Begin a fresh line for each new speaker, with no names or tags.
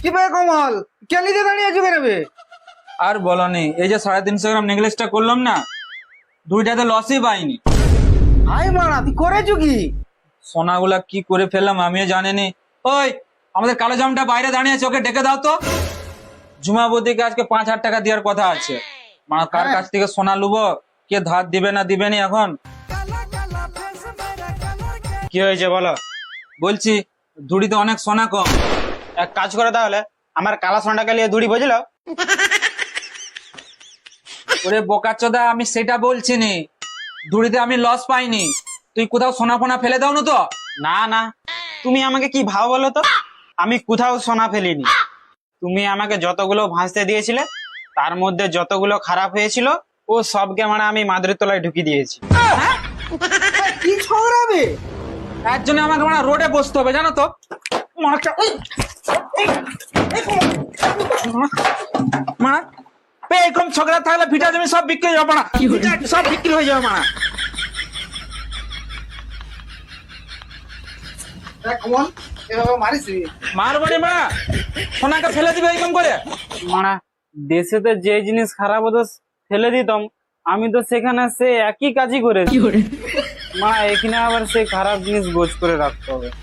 কি বে কমল কেলিতে দাঁড়িয়ে আছো কেন বে?
আর বলনি, এই যে 350 গ্রাম নেকলেসটা করলাম না, দুইটাতে লসই পাইনি।
হাই মারা তুই করেছো কি?
সোনাগুলা কি করে ফেললাম আমিও জানিনি। ওই আমাদের কালো জামটা বাইরে দাঁড়িয়ে আছে, ওকে ডেকে দাও তো। জুমাবতীকে আজকে 5,000 টাকা দেওয়ার কথা আছে। মানে কার কাছ থেকে সোনা লুবো, কে ধার দিবে না দিবেনি এখন।
কি হয়েছে বলো?
বলছি ধুড়িতে অনেক সোনা কম।
এক কাজ করে তাহলে আমার কালা সোনাটাকে নিয়ে দড়ি বুঝলো।
ওরে বোকাচোদা, আমি সেটা বলছি নি, ধুড়িতে আমি লস পাইনি। তুই কোথাও সোনা ফোনা ফেলে দাও না তো?
না না, তুমি আমাকে কি ভাও বলো তো? আমি কোথাও সোনা ফেলিনি। তুমি আমাকে যতগুলো ভাঁজতে দিয়েছিলে তার মধ্যে যতগুলো খারাপ হয়েছিল ও সবকে মানে আমি মাদুরের তলায় ঢুকিয়ে দিয়েছি।
কি ছড়াবে?
এর জন্য আমাকে মানে রোডে বসতে হবে জানো তো। মানে এরকম ঝগড়া থাকলে ভিটা জমি সব বিক্রি হয়ে যাবে না, সব বিক্রি হয়ে যাবে না।
কমল এভাবে মারিস?
মারবাড়ি মা সোনাকে ফেলে দিবে এরকম করে?
মানে দেশেতে যে জিনিস খারাপ হতো ফেলে দিতাম, আমি তো সেখানে সে একই কাজই করেছি। মা এখানে আবার সে খারাপ জিনিস গোছ করে রাখতে হবে।